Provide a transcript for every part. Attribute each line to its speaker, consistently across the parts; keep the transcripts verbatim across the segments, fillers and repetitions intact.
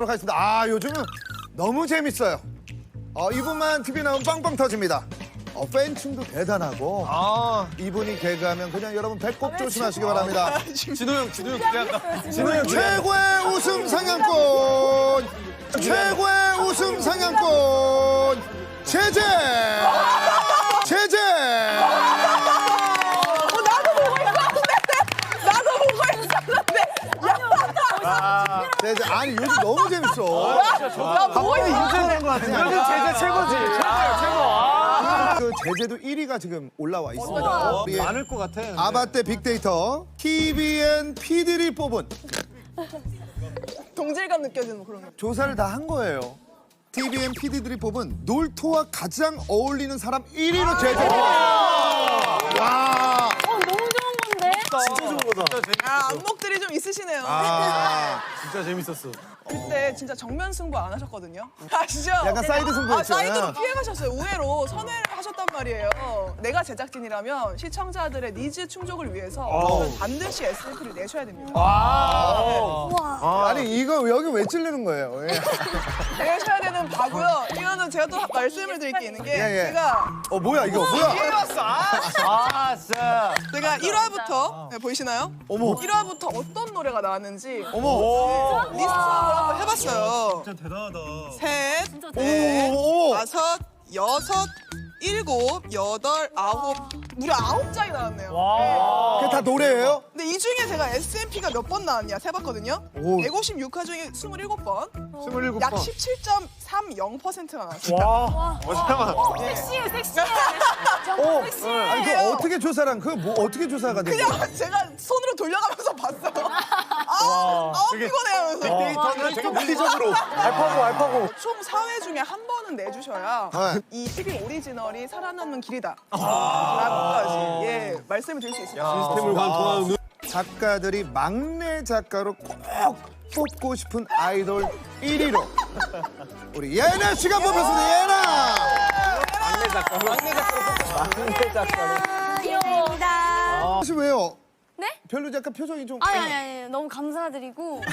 Speaker 1: 하겠습니다. 아 요즘은 너무 재밌어요. 어, 이분만 티비 나오면 빵빵 터집니다. 어, 팬층도 대단하고
Speaker 2: 아,
Speaker 1: 이분이 개그하면 그냥 여러분 배꼽 조심하시기 바랍니다.
Speaker 2: 진호 형, 진호 형 기대한다. 진호 형
Speaker 1: 최고의 웃음 상향권 최고의 웃음 상향권 제재 제재
Speaker 3: 나도 보고 있었는데 나도 보고 있었는데 야
Speaker 1: 제재 아니 요즘 너무 재밌어.
Speaker 3: 나 보고 있어
Speaker 2: 인정된 것 같아. 요즘 제재 최고지. 최고예요, 최고. 아.
Speaker 1: 그 제재도 일 위가 지금 올라와 있습니다. 우리
Speaker 2: 많을 것 같아. 근데.
Speaker 1: 아바떼 빅데이터 티비엔 피디를 뽑은
Speaker 3: 동질감 느껴지는 그런 거.
Speaker 1: 조사를 다 한 거예요. 티비엔 피디들이 뽑은 놀토와 가장 어울리는 사람 일 위로 제재. 와.
Speaker 4: 어, 너무 좋은 건데?
Speaker 2: 진짜 좋은 거다.
Speaker 3: 아 안목들이 좀 있으시네요.
Speaker 1: 아.
Speaker 2: 진짜 재밌었어.
Speaker 3: 그때 진짜 정면 승부 안 하셨거든요. 아시죠?
Speaker 1: 약간 사이드 승부였죠.
Speaker 3: 아, 사이드로 피해가셨어요. 우회로 선회를 하셨단 말이에요. 내가 제작진이라면 시청자들의 니즈 충족을 위해서 저는 반드시 에스엠피를 내셔야 됩니다.
Speaker 4: 우와.
Speaker 1: 아니 이거 여기 왜 찔르는 거예요? 예.
Speaker 3: 내셔야 되는 바고요. 이거는 제가 또 말씀을 드릴 게 있는 게
Speaker 1: 예, 예.
Speaker 3: 제가
Speaker 1: 어 뭐야 이거 뭐야?
Speaker 2: 아, 진짜.
Speaker 3: 제가 일 화부터 네, 보이시나요?
Speaker 1: 어머.
Speaker 3: 일 화부터 어떤 노래가 나왔는지
Speaker 1: 어머.
Speaker 3: 리스트업을 한번 해봤어요.
Speaker 2: 진짜 대단하다.
Speaker 3: 셋,
Speaker 4: 진짜
Speaker 3: 넷,
Speaker 1: 어머.
Speaker 3: 다섯, 여섯, 일곱, 여덟, 아홉, 무려 아홉 장이 나왔네요.
Speaker 2: 와.
Speaker 1: 그게 다 노래예요?
Speaker 3: 근데 이 중에 제가 에스엠피가 몇 번 나왔냐 세봤거든요.
Speaker 1: 오.
Speaker 3: 백오십육 화 중에 스물일곱 번,
Speaker 1: 스물일곱
Speaker 3: 약
Speaker 1: 번.
Speaker 3: 십칠 점 삼영 퍼센트가 나왔어요.
Speaker 2: 와. 어, 잠깐만.
Speaker 4: 섹시해, 섹시해.
Speaker 1: 어.
Speaker 4: 정말 섹시해.
Speaker 1: 아니 그 어떻게 조사랑 그 뭐 어떻게 조사가 된 거야?
Speaker 3: 그냥 제가 손으로 돌려가면서 봤어요. 아, 아
Speaker 2: 되게-
Speaker 3: 피곤해 하면서.
Speaker 2: 데이터는 되게 물리적으로. 알파고, 알파고.
Speaker 3: 총 사 회 중에 한 번은 내주셔야
Speaker 1: 네.
Speaker 3: 이 티비 오리지널이 살아남는 길이다. 라고까지 예, 말씀을 드릴 수 있습니다.
Speaker 2: 시스템을 관통하는.
Speaker 1: 작가들이 막내 작가로 꼭 뽑고 싶은 아이돌 일 위로 우리 예나 씨가 뽑혔습니다. 예나.
Speaker 2: 막내 작가. 막내 작가로 뽑혔어. 막내 작가로.
Speaker 4: 귀여워니다.
Speaker 1: 혹시 왜요?
Speaker 4: 네?
Speaker 1: 별로 약간 표정이 좀.
Speaker 4: 아니, 아니, 아니. 너무 감사드리고.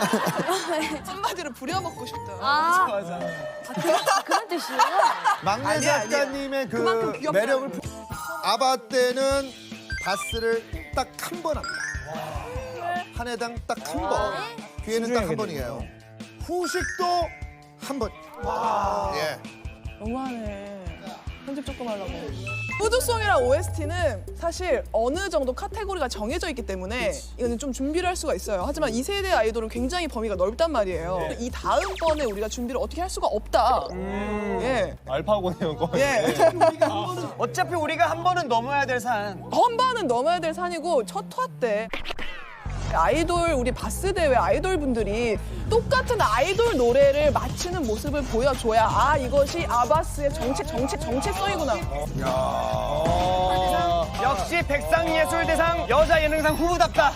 Speaker 4: 아,
Speaker 3: 한마디로 부려먹고 싶다.
Speaker 4: 아, 아, 그런, 그런 뜻이에요?
Speaker 1: 막내
Speaker 3: 아니야, 아니야.
Speaker 1: 작가님의 그
Speaker 3: 그만큼 귀엽다는
Speaker 1: 매력을
Speaker 3: 거지.
Speaker 1: 부- 아바 때는 바스를 딱 한 번 합니다. 한 해당 딱 한 번. 기회는 딱 한 번이에요. 후식도 한 번. 예.
Speaker 3: 너무하네. 편집 조금 하려고. 푸드송이랑 오에스티는 사실 어느 정도 카테고리가 정해져 있기 때문에 이거는 좀 준비를 할 수가 있어요. 하지만 이 세대 아이돌은 굉장히 범위가 넓단 말이에요. 이 다음번에 우리가 준비를 어떻게 할 수가 없다. 예.
Speaker 2: 알파고네요, 거의.
Speaker 3: 예.
Speaker 2: 어차피 우리가 한 번은 넘어야 될 산.
Speaker 3: 한 번은 넘어야 될 산이고 첫 화 때 아이돌 우리 바스 대회 아이돌 분들이 똑같은 아이돌 노래를 맞추는 모습을 보여줘야 아 이것이 아바스의 정체 정체 정체성이구나.
Speaker 2: 역시 백상예술대상 여자 예능상 후보답다.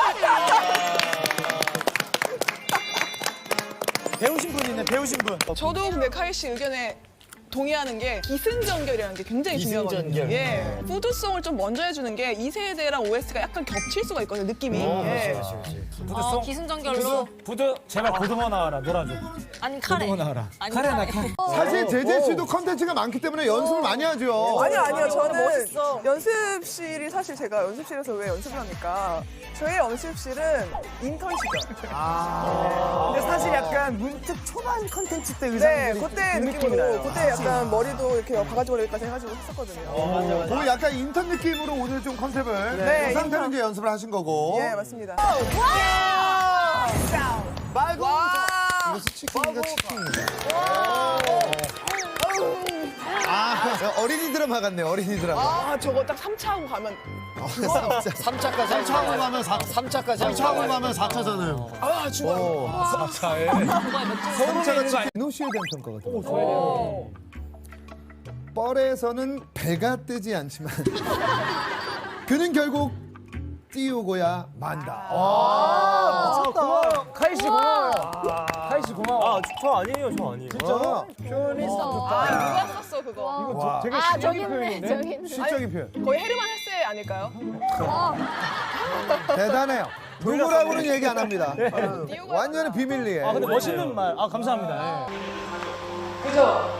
Speaker 2: 배우신 분 있네, 배우신 분.
Speaker 3: 저도 근데 카이 씨 의견에 동의하는 게 기승전결이라는 게 굉장히 중요하거든요. 예. 푸드송을 좀 먼저 해주는 게 이 세대랑 오에스티가 약간 겹칠 수가 있거든요, 느낌이. 예.
Speaker 4: 어, 기승전결로.
Speaker 5: 부드 제발 고등어 나와라 놀아줘.
Speaker 4: 아니, 카레.
Speaker 5: 나와라.
Speaker 4: 아니,
Speaker 5: 카레 나
Speaker 4: 카레.
Speaker 5: 카레.
Speaker 1: 사실 제재 씨도 컨텐츠가 많기 때문에 연습을 많이 하죠.
Speaker 3: 아니요, 아니요. 저는 연습실이 사실 제가 연습실에서 왜 연습을 합니까? 저희 연습실은 인턴 시절.
Speaker 2: 근데 사실 약간 문득 초반 컨텐츠 때
Speaker 3: 네,
Speaker 2: 의상들이
Speaker 3: 그때
Speaker 2: 그 느낌이
Speaker 3: 느낌으로
Speaker 2: 나요.
Speaker 3: 그때 약간 머리도 이렇게 바가지 머리까지 해가지고 했었거든요.
Speaker 1: 그 약간 인턴 느낌으로 오늘 좀 컨셉을
Speaker 3: 네,
Speaker 1: 그 상태로
Speaker 3: 인턴.
Speaker 1: 이제 연습을 하신 거고.
Speaker 3: 예, 맞습니다.
Speaker 2: 말고
Speaker 3: 와!
Speaker 1: 이것이 치킨인가 치킨인가? 아 어린이 드라마 같네 어린이 드라마.
Speaker 3: 아, 저거 딱 삼 차 하고 가면
Speaker 1: 삼 차까지. 삼 차 하고 가면 사. 삼 차까지. 삼 차 하고 가면 사 차잖아요.
Speaker 3: 아, 중간.
Speaker 5: 차에.
Speaker 1: 삼 차가 치킨. 민호 씨에 대한 평가 같아요. 뻘에서는 배가 뜨지 않지만 그는 결국 띄우고야 만다.
Speaker 2: 고마워. 카이 씨 고마워요.
Speaker 5: 하이 씨 고마워.
Speaker 2: 아, 저 아니에요, 저 아니에요.
Speaker 1: 진짜
Speaker 3: 아, 누가 썼어, 그거?
Speaker 1: 와,
Speaker 2: 되게
Speaker 4: 아,
Speaker 2: 시적인
Speaker 4: 저기 있네,
Speaker 2: 표현인데?
Speaker 4: 저기 있네.
Speaker 1: 시적인 표현.
Speaker 3: 거의 헤르만 헤세 아닐까요?
Speaker 1: 대단해요. 누구라고는 얘기 안 합니다. 완전히 비밀리에.
Speaker 5: 아 근데 멋있는 말. 아 감사합니다. 예.
Speaker 3: 그죠?